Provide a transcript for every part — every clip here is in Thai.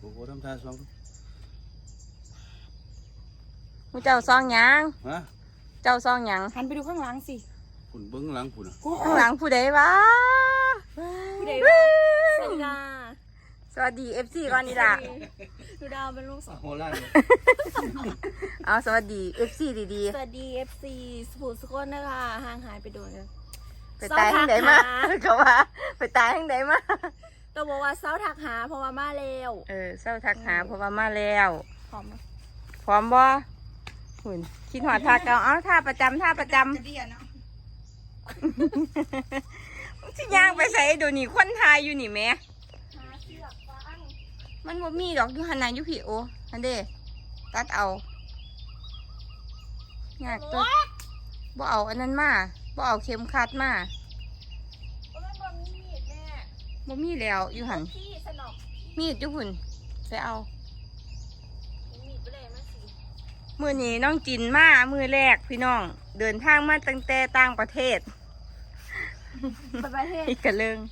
โอ้โหทำท่าซองมูเจ้าซองหยังฮะเจ้าซองหยังหันไปดูข้างหลังสิฝุ่นเบิ้งหลังฝุ่นข้างหลังผู้ใดวะผู้ใดวะสวัสดีค่ะสวัสดี FC ก่อนนี่ล่ะดูดาวเป็นลูกสาวโหล่าเอาสวัสดี FC ดีสวัสดี FC สปูสกุลนะคะห่างหายไปโดนกันๆไปตายทางใดมาเขาว่าไปตายทางใดมาต้องบอกว่าเศร้าทักหาเพราะว่ามาแล้วเศร้าทักหาเพราะว่ามาแล้วพร้อมไหมพร้อมบ่หุ่นคิดหอดท่าเก่าเอาท่าประจำท่าประจำสิย่างไปใส่ดูนี่ควันทายอยู่นี่แม่หาเสือกฟังมันบ่มีดอกอยู่หันน่ะอยู่พี่โออันเด้ตัดเอายากตัวบ่เอาอันนั้นมาบ่เอาเข็มขัดมามันบ่มีมีดแม่บ่มีแล้วอยู่หันพี่สนอกมีดอยู่หุ่นไปเอามีดไปเลยมาสิมื้อนี้น้องจินมามื้อแรกพี่น้องเดินทางมาตั้งแต่ต่างประเทศไปประเทศอีกกะเลิง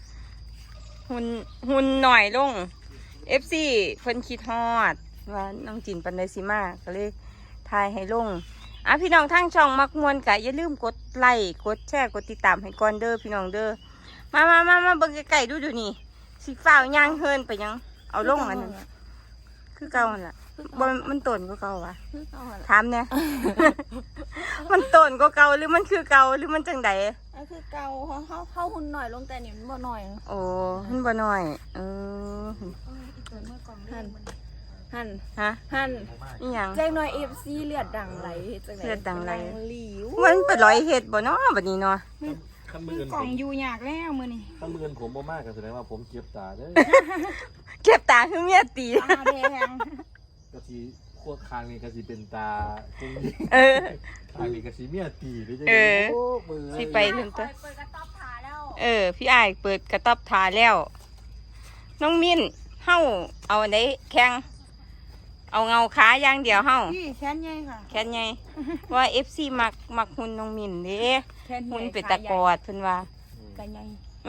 หุ่นหน่อยลง FC เพิ่นคิดฮอดว่าน้องจินปันไดสิมาก็เลยถ่ายให้ลงพี่น้องทางช่องมักมวนกะอย่าลืมกดไลค์กดแชร์กดติดตามให้ก่อนเด้อพี่น้องเด้อมาเบิ่งใกล้ๆดูนี่สิฟ้าวย่างเฮินไปยังเอาลงอันนั้นคือเก่าหั่นล่ะบ่มันต้นกว่าเก่าวะถามแหน่ มันต้นกว่าเก่าหรือมันคือเก่าหรือมันจังใดอันคือเกาเข้าหุ่นหน่อยลงแต่นี่มันบ่หน่อยโอ้มันบ่น้อยหันฮะหันอีหยังแจ้งหน่อย FC เลือดดังไหลจังไหนเลือดดังไหลหลิวมันเป็นร้อยเฮ็ดบ่เนาะบัดนี้เนาะข้ามือกล่องอยู่ยากแล้วมื้อนี้ข้ามือผมบ่มากกันแสดงว่าผมเก็บตาเด้อเก็บตาคือเมียตีตาแดงกะสิขั้วคางนี่กะสิเป็นตาจริงเออคางนี่กะสิเมียตีหรือจังเออโอ้มือสิไปถึงเปิตัวดกระต๊อบผาแล้วพี่อ้ายเปิดกระต๊อบทาแล้ว น้องมิ้นเฮาเอาอันใดแข่งเอาเงาขาอย่างเดียวเฮาพี่แขนใหญ่ค่ะแค่ไงว่า FC มักหุ่นน้องมิ้นเด้แขนใหญ่หุ่นเป็นตะกอดเพิ่นว่ากันใหญ่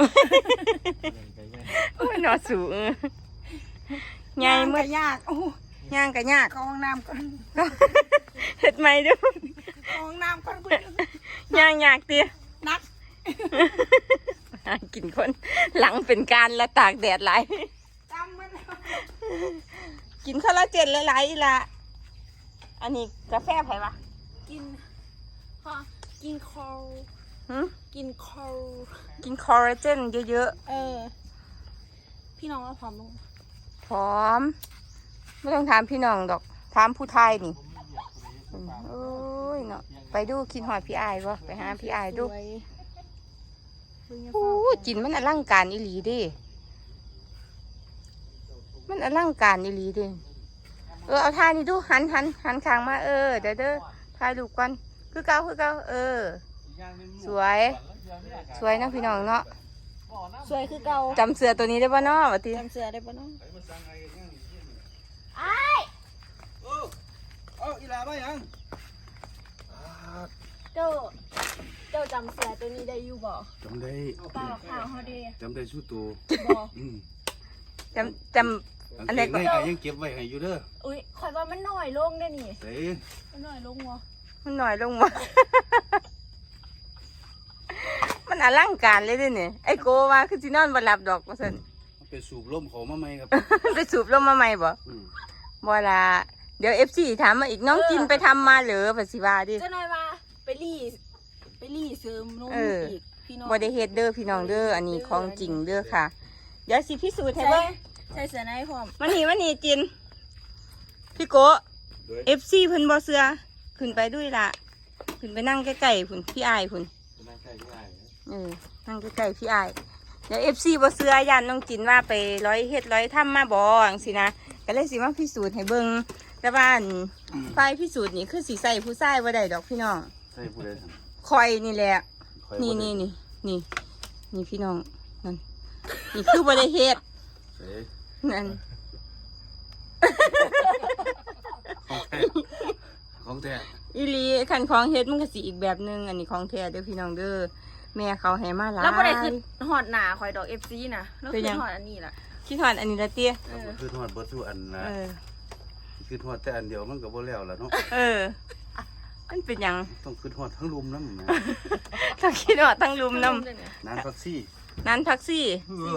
โอ้ยเนาะสูใหญ่มื้อยากโอ้ย่างก็ยากเข้าห้องน้ำก่อนเฮ็ดใหม่เด้อเข้าห้องน้ำก่อนคุณย่างยากตินักกินคนหลังเป็นการละตากแดดหลายจำมันกินคอลลาเจนหลายๆอีละอันนี้กาแฟไผวะกินฮะกินคอลหึกินคอลกินคอลลาเจนเยอะพี่น้องว่าพร้อมลงๆพร้อม ไม่ต้องถามพี่น้องดอกถามผู้ไทยนี่โอ้ยเนาะไปดูคิดหอดพี่อายบ่ไปหาพี่อายดูสวยโอ้จินมันอลังการอีหลีเดิมันอลังการอีหลีเดิเอาท่านี่ดูหันข้างมาเด้อถ่ายรูปก่อนคือเก่าสวยนะพี่น้องเนาะสวยคือเก่าจำเสือตัวนี้ได้ป่ะเนาะวะทีจำเสือได้ปะน้องเอาอีลาไปยังเจ้าจำเสือตัวนี้ได้อยู่บ่จำได้เปล่าข่าวเขาดีจำได้สู้ตัวบ่จำอันไหนก็ไอ้ยังเก็บไว้ให้อยู่เด้ออุ้ยคอยว่ามันหน่อยลงได้นี่เสมันหน่อยลงวะมันหน่อยลงมา มันอลังการเลยเด้เนี่ยไอ้โกว่าคือสินอนบ่หลับดอกว่าซั่นไปสูบลมเขามาไหมครับไปสูบลมมาใหม่บ่บ่ล่ะเดี๋ยว FC ถามมาอีกน้องจินไปทำมาเหรอภาษีว่าดิเจ้าหน่อยว่าไปรีเสริมนุ่มอีกพี่น้องบ่ได้เฮ็ดเด้อพี่น้องเด้ออันนี้ของจริงเด้อค่ะ เดี๋ยวสิพิสูจน์ให้เบิ่งใส่เสือในพร้อมมานี่จินพี่โก FC เพิ่นบ่เชื่อขึ้นไปด้วยล่ะขึ้นไปนั่งใกล้ๆพุ่นพี่อายพุ่นนั่งใกล้ที่ไหนนั่งใกล้ๆพี่อายเดี๋ยว FC บ่เชื่อย่านน้องจินว่าไปร้อยเฮ็ดร้อยทำมาบ่จังซี่นะก็เลยสิมาพิสูจน์ให้เบิ่งแต่ว่าอันไฟพิสูจน์นี่คือสิใส่ผู้ชายบ่ได้ดอกพี่น้องใช่ผู้ใดทคอยนี่แหละำนี่พี่น้องนั่นนี่คือบ่ได้เฮ็ดเสนั่นของแท้อีหลีคันของเฮ็ดมันก็สิอีกแบบนึงอันนี้ของแท้เด้อพี่น้องเด้อแม่เขาให้มาหลายแล้วบ่ได้คือหอดหนาคอยดอก FC นะแล้วเป็คืนยัอง หอดอันนี้ล่ะคิดฮอดอันนี้ละเตี้ยคือทอดเบิดทุกอันนะเออคือทอดแต่อันเดียวมันก็บ่แล้วล่ะเนาะเออมันเป็นหยังต้องคือทอดทั้งรุมน้ำนะถ้าคิดฮอดทั้งลุมน้นานพักซี่ำนั้นทักซี่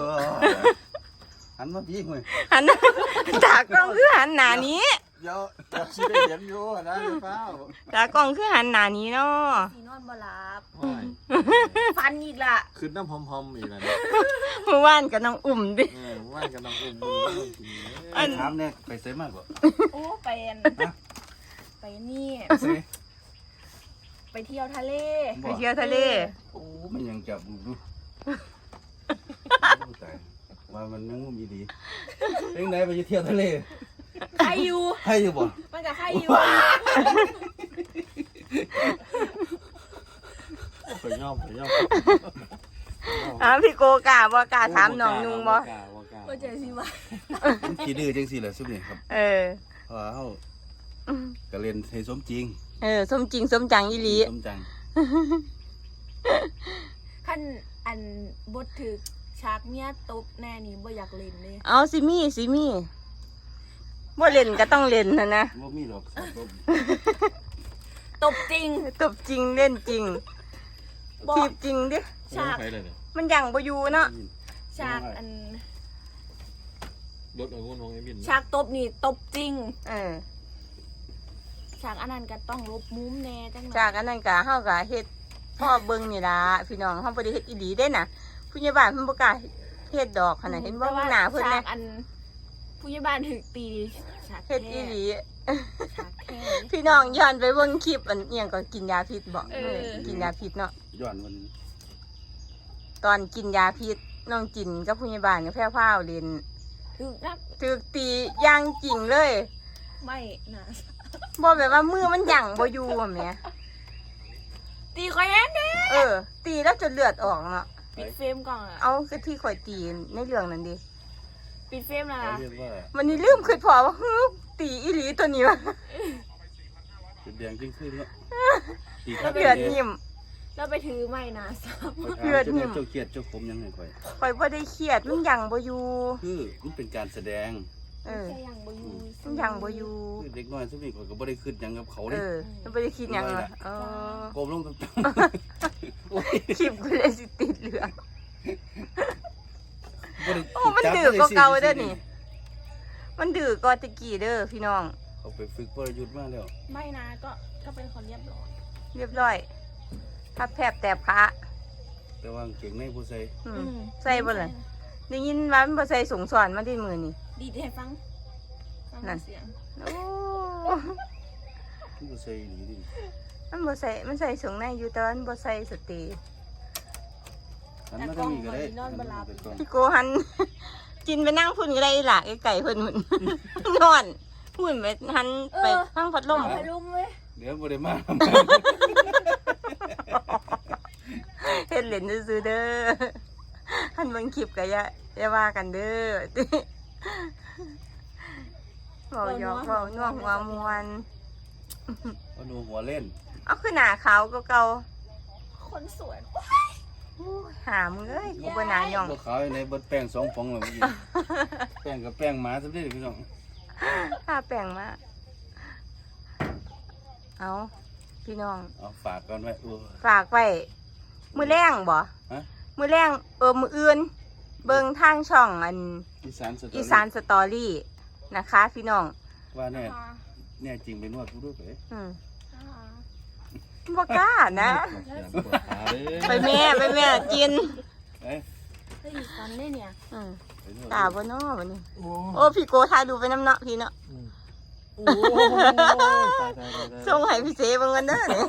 หันมาพี่เว้ยหัน ตากล้องคือหันหน้านี้เดี๋ยวสิได้เห็นอยู่นะเปล่าตากล้องคือหันหน้านี้เนาะสีนอนบ่หลับว้ายฟันอีกล่ะขึ้นน้ำหอมๆอีกแล้วเมื่อวานกับน้องอุ่มดิว่านกันน้ำอุ่มมือกินอันถามเนี่ยไปเสมากกว่าโอ้ไปนี่เสไปเที่ยวทะเลไปเที่ยวทะเลโอ้มันยังจับดูตายว่ามันยังมีดีเป็นไงไปเที่ยวทะเลใครอยู่ให้อยู่บ่มันกับใครอยู่ไปย่อมพี่โกกาบ่กาถามน้องนุงบ่ว่ากล้าว่าเจอสิวะมันขี้ดื้อจังซี่แหละซุนี่ครับเออเพราะว่าเฮาก็เล่นให้สมจริงเออสมจริงสมจังอีหลีสมจังขั้นอันบทถึกฉากเมียตบแน่นี่บ่อยากเล่นเลยเอาสิมีบ่เล่นก็ต้องเล่นนะบ่มีหรอกครับบ่ตบจริงตบจริงเล่นจริงบอกทีบจริงดิฉากไปเลยเนี่ยมันยังบ่อยู่เนาะฉากอันรถเอางุ่นของไอ้บินฉากตบนี่ตบจริงเออฉากอันนั้นก็ต้องลบมุมแน่จังหน่อยจากอันนั้นก็เฮาก็เฮ็ดพ่อเบิ่งนี่ล่ะพี่น้องเฮาบ่ได้เฮ็ดอีหลีเด้น่ะผู้ใหญ่บ้านเพิ่นบ่กล้าเฮ็ดดอกขนาดเห็นบ่หน้าเพิ่นฉาแน่กอันผู้ใหญ่บ้านถึกตีฉากเฮ็ดแค่อีหลีฉากแค่พี่น้องย้อนไปเบิ่งคลิปอันเอียงก็กินยาพิษบ่เออกินยาพิษเนาะย้อนมันตอนกินยาพิษน้องจินกับผู้ใหญ่บ้านกับแพร่พราวเล่นถึกนักถูกตีอย่างจริงเลยไม่นะบ่แบบว่ามือมันหยั่งบ่อยู่อะแหมตีคอยแอนเด้เออ ตีแล้วจนเลือดออกเนาะปิดเฟรมก่อนอะเอาคือที่ข่อยตีในเรื่องนั้นดิปิดเฟรมนะเขาเรียกว่าวันนี้ลืมคิดพอว่าฮึตีอีหลีตัวนี้วะจุดแดงจริงขึ้นเนาะตีข้าเลือดนิ่มแล้วไปถือไม่นะซับเลือดนิ่มเจ้าเครียดเจ้าขมยังไงค่อยข่อยบ่ได้เครียดมันหยั่งบ่อยู่คือมันเป็นการแสดงเออใช่ยังบ่อยู่มันหยั่งบ่อยู่คือเด็กน้อยซุนี่ข่อยก็บ่ได้คิดหยังกับเขาเอเด้อมันบ่ได้คิดหยังเหรอเออโกมลงตรงๆโอ้ยคลิปกูเลยสิติดเหลืองบ่ได้โอ้มันดื้อกว่าเก่าเด้อนี่ มันดื้อกว่าตะกี้เด้อพี่น้องเขาไปฝึกวรยุทธ์มาแล้วไม่นะก็เป็นคนเรียบร้อยเรียบร้อยพับแผบแตบขาแต่ว่าเก่งในผู้ใส่อืมใส่บ่เลยได้ยินว่ามันบ่ใส่สงสอนมาที่มือนี่ดีให้ฟังเสียงโอ้ผู้ใส่ดีดิมันบ่ใส่มันใส่สงในอยู่แต่ว่ามันบ่ใส่สเตย์หันมาทางนี้ก็ได้หันมาแต่ก่อนพี่โกหัน กินไปนั่งพุ่นก็ได้ล่ะไก่เพิ่นหุ่น นอนพุ่นไปหันไปทางพัดลมไปรุมเว้ยเดี๋ยวบ่ได้มาเฮ็ดเล่นซื่อๆเด้อหันเบิ่งคลิปก็อย่าว่ากันเด้อ เว้าหยอกเว้าน่วงหัวมวนเอาหนูหัวเล่นเอาคือหน้าขาวเก่าคนสวยๆอู้หามึงเอ้ยกูบ่น่าย่องบ่ขาวในเบิดแป้ง2ฟองแล้วเมื่อกี้แป้งกับแป้งหมาซั่นเด้อพี่น้องถ้าแปลงมาเอาพี่น้องเอาฝากกันไว้ฝากไว้มือแรงบ่ฮะมือแรงมืออื่น เบิ่งทางช่องอันอีสานสตอรี่อีสานสตอรี่นะคะ พี่น้องว่าแน่จริงไปนวดผู้ด้วยเอ้ยอืมบ่กล้านะ ไปแม่กินเอ้ยเฮ้ยฟันได้เนี่ยอืมไปนวดกล้าบ่เนาะวันนี้โอ้พี่โกทายดูไปน้ำเนาะพี่เนาะโอ้ยส่งให้พี่เสเบิ่งกันเด้อนี่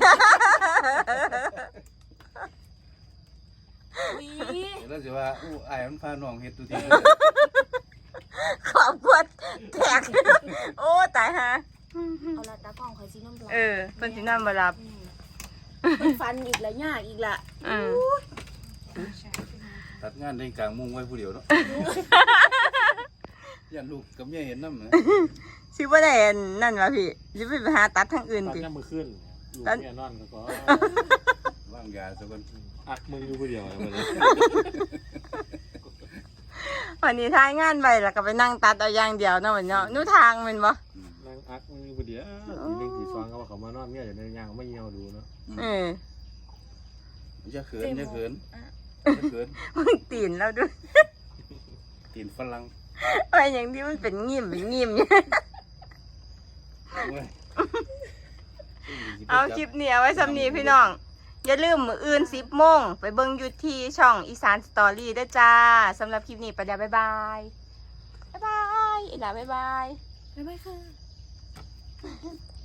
วีเดี๋ยวเราสิว่าอู้อ้ายมันพาน้องเฮ็ดตุทีขอบคุณแตก โอ้ตายฮะเอาละตากล้องคอยซีน้ำปลาเพิ่นสินอนบ่หลับเป็นฟันอีกแล้วยากอีกละอืมตัดงานในกลางมุ้งไว้ผู้เดียวเนาะยันลูกกับเมียเห็นนำนะสิบ่ได้อันนั่นวะพี่สิไปหาตัดทางอื่นตัดติน้ำมือขึ้นอยู่แม่นอนก็วางยาซะก่อนอักมืออยู่ผู้เดียวเลยวันนี้ทายงานไปแล้วก็ไปนั่งตัดเอาอย่างเดียวเนาะวันเนาะนู่ทางแมันบ่นั่งอักมือพอดีตีหนึ่งตีสองเขาว่าเขามานอนเนี่ยอยู่ในยางไม่เหี่ยวดูเนาะเออจะเขินจะเขินจะเขินมึงตีนแล้วด้วยตีนฝรั่งไอ้อย่างที่มันเป็นงิ่มเนี่ยเว้ยเอาคลิปนี้เอาไว้สำนีพี่น้อง อย่าลืมมื้ออื่น10 โมงไปเบิ่งอยู่ที่ช่องอีสานสตอรี่ด้วยจ้าสำหรับคลิปนี้ไปแล้วบ๊ายบายบ๊ายบายอีหล่าบ๊ายบายบ๊ายบายค่ะ